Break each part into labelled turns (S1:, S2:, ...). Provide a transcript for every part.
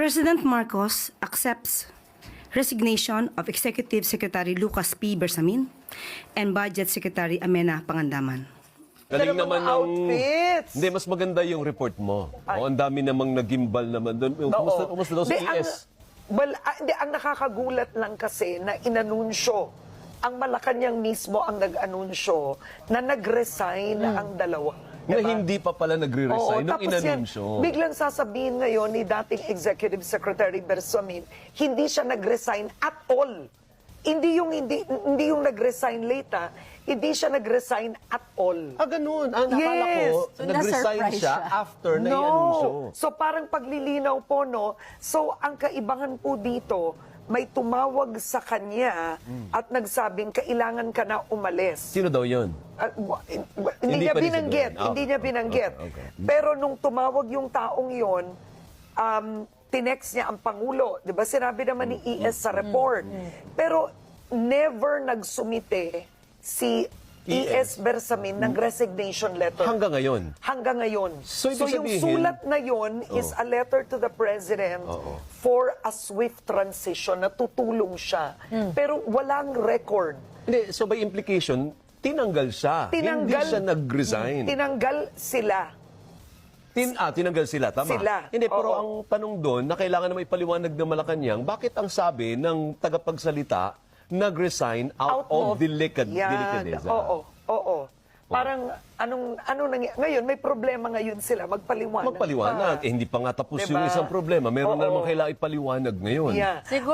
S1: President Marcos accepts resignation of Executive Secretary Lucas P. Bersamin and Budget Secretary Amena Pangandaman.
S2: Galing
S3: Pero
S2: naman
S3: mga
S2: ng...
S3: outfits.
S2: Hindi, mas maganda yung report mo. O, ang dami namang nagimbal naman doon. Kumusta daw sa ES?
S3: Ang nakakagulat lang kasi na inanunsyo, ang Malacanang mismo ang nag-anunsyo na nag-resign ang dalawa.
S2: Na
S3: Diba?
S2: hindi pa pala nagre-resign nung inanunsyo.
S3: Biglang sasabihin ngayon ni dating Executive Secretary Bersamin, hindi siya nag-resign at all. Hindi yung nag-resign late, hindi siya nag-resign at all.
S2: Ganun. Nakala
S3: Yes.
S2: ko,
S4: So,
S2: nag-resign
S4: na-surprise
S2: siya
S4: siya.
S2: after na i-anunsyo.
S3: So parang paglilinaw po, no? So ang kaibahan po dito, may tumawag sa kanya at nagsabing kailangan ka na umalis.
S2: Sino daw yun?
S3: Hindi niya
S2: pa rin
S3: binanggit,
S2: siguro.
S3: hindi niya binanggit.
S2: Okay.
S3: Pero nung tumawag yung taong yon, tinext niya ang Pangulo. Di ba? Sinabi naman ni ES sa report. Pero never nagsumite si ES Bersamin ng resignation letter.
S2: Hanggang ngayon.
S3: Hanggang ngayon.
S2: So, ibig
S3: yung
S2: sabihin-
S3: sulat na yon is a letter to the President for a swift transition na tutulong siya. Pero walang record.
S2: Hindi, so by implication, tinanggal siya. Hindi siya nag-resign.
S3: Tinanggal sila.
S2: Tinanggal sila, tama?
S3: Sila,
S2: Hindi, pero
S3: oo.
S2: ang tanong doon, na kailangan na may paliwanag ng Malacanang, bakit ang sabi ng tagapagsalita, nag-resign out of delicadeza?
S3: Oo. Parang, ngayon, may problema ngayon sila, magpaliwanag.
S2: Magpaliwanag. Hindi pa nga tapos
S3: Diba?
S2: yung isang problema. Meron na
S3: Oo.
S2: namang kailangan ipaliwanag ngayon.
S3: Yeah.
S4: Siguro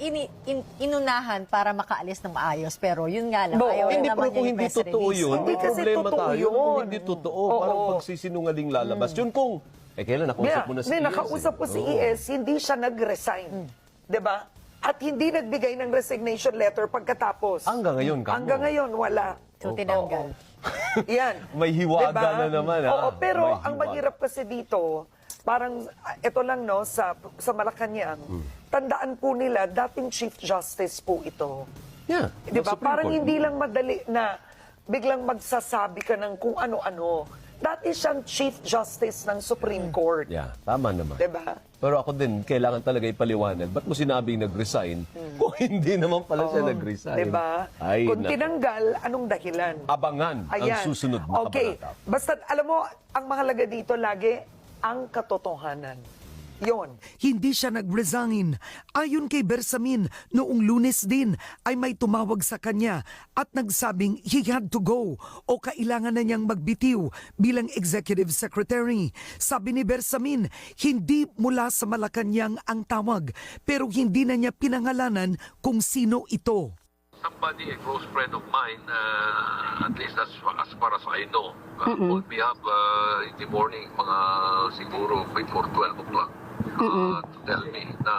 S4: inunahan para makaalis ng maayos, pero yun nga lang,
S3: Oo.
S4: ayaw
S2: Hindi,
S4: naman
S2: pero kung
S4: yung
S2: hindi
S4: press
S2: totoo
S4: release.
S2: yun,
S3: Hindi
S2: may
S3: kasi
S2: problema
S3: totoo
S2: tayo.
S3: yun.
S2: Kung hindi totoo,
S3: Oo.
S2: parang pagsisinungaling lalabas. Yun kung, kailan nakausap mo na si ES?
S3: Nakausap ko si
S2: Oo.
S3: ES, hindi siya nag-resign. 'Di ba? At hindi nagbigay ng resignation letter pagkatapos.
S2: Hanggang ngayon, kamo.
S3: Hanggang ngayon, wala.
S4: So, tinanggal.
S3: Yan.
S2: May hiwaga na naman, ha?
S3: Oo, pero
S2: May
S3: ang
S2: hiwaga.
S3: mahirap kasi dito, parang, ito lang, no, sa Malacanang, tandaan po nila, dating Chief Justice po ito.
S2: Yeah.
S3: Di ba?
S2: Supreme
S3: Parang
S2: Court.
S3: hindi lang madali na biglang magsasabi ka ng kung ano-ano. Dati siyang Chief Justice ng Supreme Court.
S2: Yeah, tama naman.
S3: Di ba?
S2: Pero ako din, kailangan talaga ipaliwanag. Ba't mo sinabing nag-resign kung hindi naman pala siya nag-resign?
S3: Di ba?
S2: Ay,
S3: Kung
S2: naku.
S3: tinanggal, anong dahilan?
S2: Abangan ang
S3: Ayan.
S2: susunod na
S3: Okay.
S2: kabanata.
S3: Basta, alam mo, ang mahalaga dito lagi, ang katotohanan. Yon.
S5: Hindi siya nag-resign. Ayon kay Bersamin, noong Lunes din ay may tumawag sa kanya at nagsabing he had to go o kailangan na niyang magbitiw bilang executive secretary. Sabi ni Bersamin, hindi mula sa Malacanang ang tawag pero hindi na niya pinangalanan kung sino ito.
S6: Somebody, a close friend of mine, at least as far as I know, called me up in the morning, mga siguro before 12 o'clock, to tell me na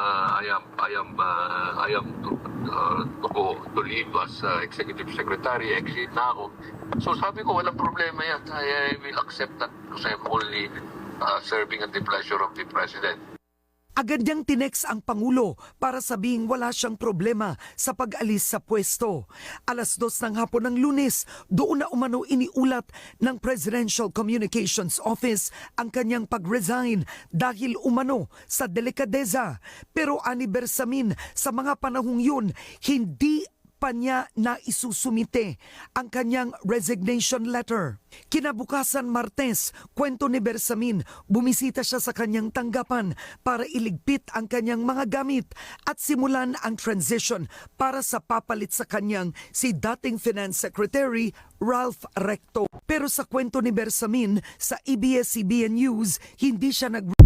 S6: I am to leave as executive secretary, exit na ako. So sabi ko, walang problema yan. I will accept that because I'm only serving at the pleasure of the President.
S5: Agad niyang tinex ang Pangulo para sabihing wala siyang problema sa pag-alis sa pwesto. 2:00 ng hapon ng Lunes, doon na umano iniulat ng Presidential Communications Office ang kanyang pag-resign dahil umano sa delikadeza. Pero ani Bersamin, sa mga panahong yun, hindi pa niya na isusumite ang kanyang resignation letter. Kinabukasan Martes, kwento ni Bersamin, bumisita siya sa kanyang tanggapan para iligpit ang kanyang mga gamit at simulan ang transition para sa papalit sa kanyang si dating Finance Secretary Ralph Recto. Pero sa kwento ni Bersamin sa ABS-CBN News, hindi siya